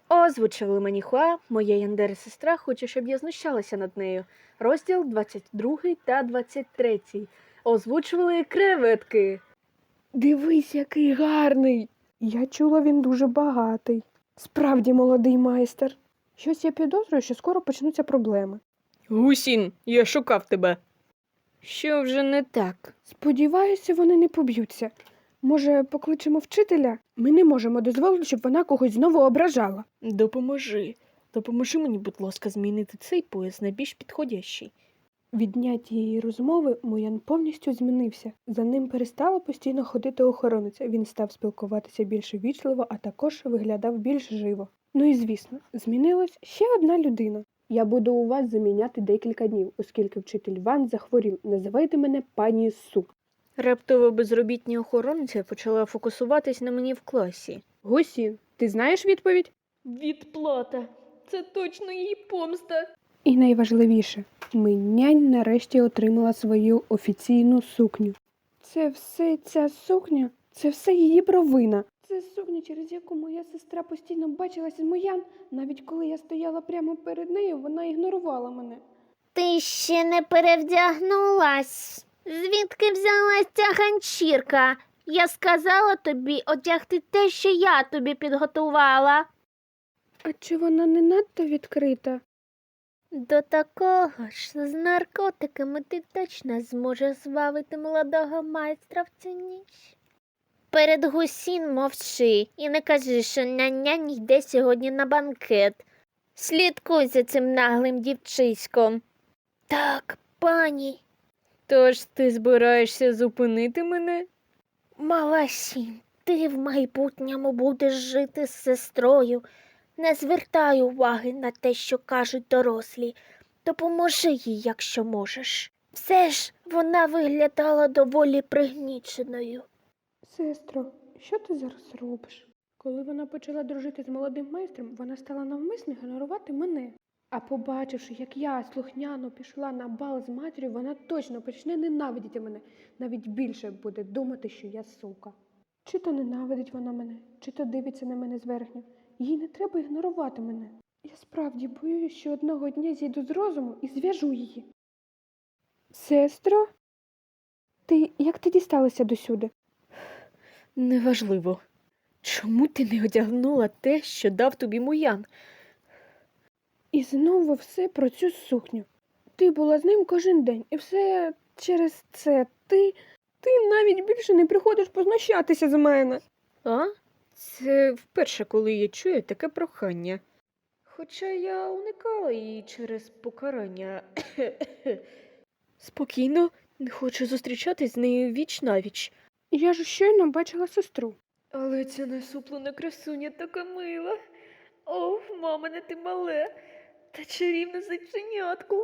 Озвучили мені Хуа, моя Яндера-сестра хоче, щоб я знущалася над нею. Розділ 22 та 23. Озвучували креветки. Дивись, який гарний. Я чула, він дуже багатий. Справді молодий майстер. Щось я підозрюю, що скоро почнуться проблеми. Гусін, я шукав тебе. Що вже не так? Сподіваюся, вони не поб'ються. Може, покличемо вчителя? Ми не можемо дозволити, щоб вона когось знову ображала. Допоможи. Допоможи мені, будь ласка, змінити цей пояс на більш підходящий. Від дня тієї розмови Моян повністю змінився. За ним перестала постійно ходити охоронниця. Він став спілкуватися більш ввічливо, а також виглядав більш живо. Ну і звісно, змінилась ще одна людина. Я буду у вас заміняти декілька днів, оскільки вчитель Ван захворів. Називайте мене пані Су. Раптово безробітня охоронця почала фокусуватись на мені в класі. Гусін, ти знаєш відповідь? Відплата. Це точно її помста. І найважливіше, Миннянь нарешті отримала свою офіційну сукню. Це все ця сукня? Це все її провина. Це сукня, через яку моя сестра постійно бачилася з Моян. Навіть коли я стояла прямо перед нею, вона ігнорувала мене. Ти ще не перевдягнулась. Звідки взялась ця ганчірка? Я сказала тобі одягти те, що я тобі підготувала. А чи вона не надто відкрита? До такого ж з наркотиками ти точно зможеш звабити молодого майстра в цю ніч. Перед Гусін мовчи і не кажи, що нянь йде сьогодні на банкет. Слідкуй за цим наглим дівчиськом. Так, пані. Тож ти збираєшся зупинити мене? Мала Сінь, ти в майбутньому будеш жити з сестрою. Не звертай уваги на те, що кажуть дорослі. Допоможи їй, якщо можеш. Все ж вона виглядала доволі пригніченою. Сестро, що ти зараз робиш? Коли вона почала дружити з молодим майстром, вона стала навмисно ігнорувати мене. А побачивши, як я слухняно пішла на бал з матір'ю, вона точно почне ненавидіти мене. Навіть більше буде думати, що я сука. Чи то ненавидить вона мене, чи то дивиться на мене зверхньо. Їй не треба ігнорувати мене. Я справді боюсь, що одного дня зійду з розуму і зв'яжу її. Сестро? Як ти дісталася досюди? Неважливо. Чому ти не одягнула те, що дав тобі Моян? І знову все про цю сукню. Ти була з ним кожен день, і все через це ти навіть більше не приходиш познущатися з мене. А? Це вперше, коли я чую таке прохання. Хоча я уникала її через покарання. Спокійно, не хочу зустрічатись з нею віч-навіч. Я ж щойно бачила сестру. Але ця насуплена красуня така мила. О, мамине ти мале. Та чарівне зайченятко.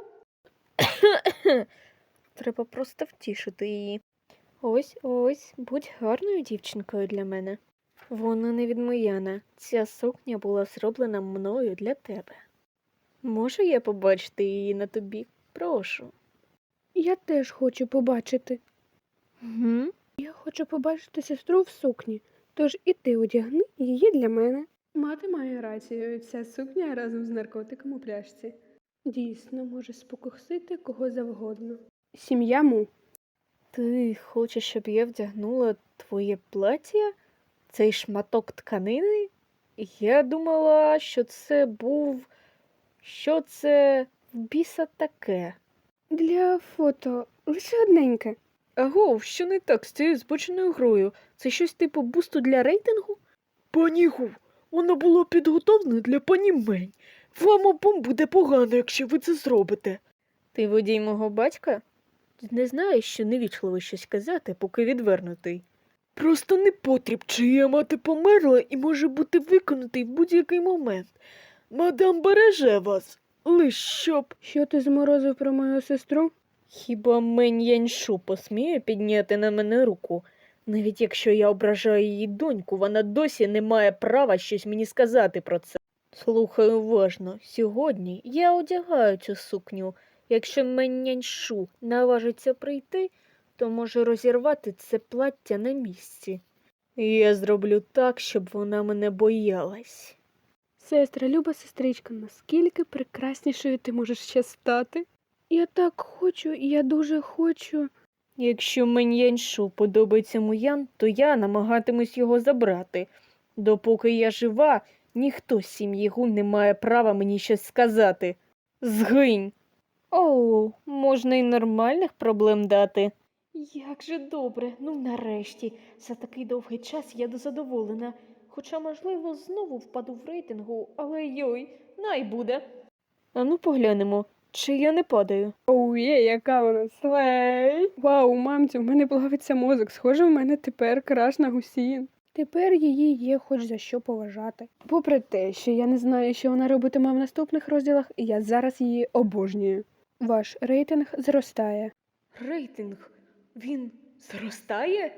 Треба просто втішити її. Ось, будь гарною дівчинкою для мене. Вона не від Мояна. Ця сукня була зроблена мною для тебе. Можу я побачити її на тобі? Прошу. Я теж хочу побачити. Угу. Я хочу побачити сестру в сукні, тож і ти одягни її для мене. Мати має рацію, ця сукня разом з наркотиком у пляшці. Дійсно, може спокусити кого завгодно. Сім'я Му. Ти хочеш, щоб я вдягнула твоє плаття? Цей шматок тканини? Я думала, що це був... Що це в біса таке? Для фото лише одненьке. Агов, що не так з цією збоченою грою? Це щось типу бусту для рейтингу? Пані Гу, вона була підготовлена для пані Мень. Вам обом буде погано, якщо ви це зробите. Ти водій мого батька? Не знаєш, що невічливо щось казати, поки відвернутий. Просто непотріб, чия мати померла і може бути виконатий в будь-який момент. Мадам береже вас, лиш щоб... Що ти зморозив про мою сестру? Хіба Мень Яньшу посміє підняти на мене руку? Навіть якщо я ображаю її доньку, вона досі не має права щось мені сказати про це. Слухай уважно, сьогодні я одягаю цю сукню. Якщо Мень Яньшу наважиться прийти, то може розірвати це плаття на місці. Я зроблю так, щоб вона мене боялась. Сестра, люба сестричка, наскільки прекраснішою ти можеш ще стати? Я так хочу, я дуже хочу. Якщо Мен'яншу подобається Муян, то я намагатимусь його забрати. Допоки я жива, ніхто з сім'ї Гун не має права мені щось сказати. Згинь! Оу, можна й нормальних проблем дати. Як же добре, ну нарешті. За такий довгий час я задоволена. Хоча, можливо, знову впаду в рейтингу, але йой, най буде. Ану поглянемо, чи я не падаю. Оу, яка вона слей. Вау, мамцю, в мене плавиться мозок. Схоже, в мене тепер краш на Гусін. Тепер її є хоч за що поважати. Попри те, що я не знаю, що вона робитиме в наступних розділах, я зараз її обожнюю. Ваш рейтинг зростає. Рейтинг? Він зростає?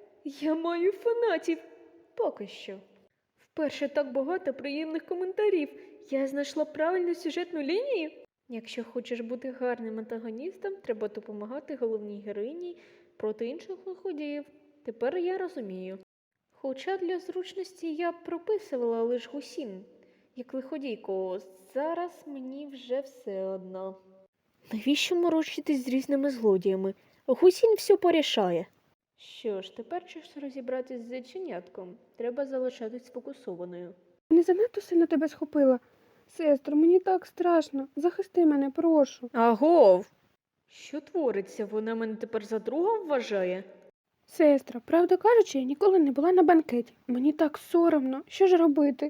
Я маю фанатів. Поки що. Вперше так багато приємних коментарів. Я знайшла правильну сюжетну лінію. Якщо хочеш бути гарним антагоністом, треба допомагати головній героїні проти інших лиходіїв. Тепер я розумію. Хоча для зручності я прописувала лише Гусін, як лиходійку, зараз мені вже все одно. Навіщо морочитись з різними злодіями? Гусін все порішає. Що ж, тепер час розібратись з зайченятком. Треба залишатись сфокусованою. Не занадто сильно тебе схопила. Сестро, мені так страшно. Захисти мене, прошу. Агов! Що твориться? Вона мене тепер за друга вважає? Сестра, правду кажучи, я ніколи не була на банкеті. Мені так соромно. Що ж робити?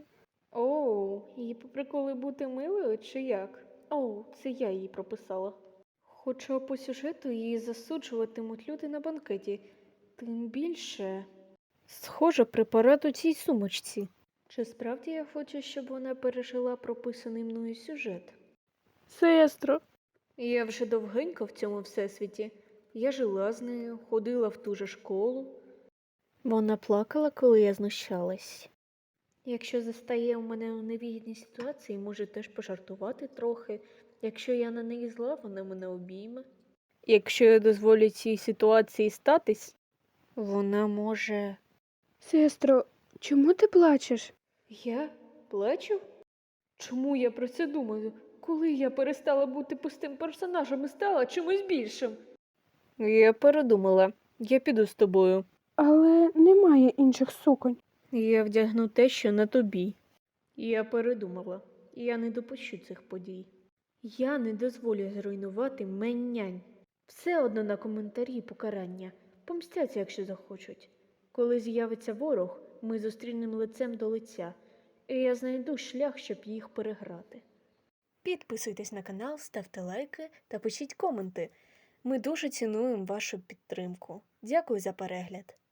Оу, її по приколу бути милою чи як? Оу, це я її прописала. Хоча по сюжету її засуджуватимуть люди на банкеті. Тим більше. Схоже, препарат у цій сумочці. Чи справді я хочу, щоб вона пережила прописаний мною сюжет? Сестро. Я вже довгенько в цьому всесвіті. Я жила з нею, ходила в ту же школу. Вона плакала, коли я знущалась. Якщо застає у мене у невигідній ситуації, може теж пожартувати трохи. Якщо я на неї зла, вона мене обійме. Якщо я дозволю цій ситуації статись, вона може... Сестро, чому ти плачеш? Я плачу? Чому я про це думаю? Коли я перестала бути пустим персонажем і стала чимось більшим? Я передумала. Я піду з тобою. Але немає інших суконь. Я вдягну те, що на тобі. Я передумала. Я не допущу цих подій. Я не дозволю зруйнувати Мень-нянь. Все одно на коментарі покарання. Помстяться, якщо захочуть. Коли з'явиться ворог, ми зустрінемо лицем до лиця. І я знайду шлях, щоб їх переграти. Підписуйтесь на канал, ставте лайки та пишіть коменти. Ми дуже цінуємо вашу підтримку. Дякую за перегляд.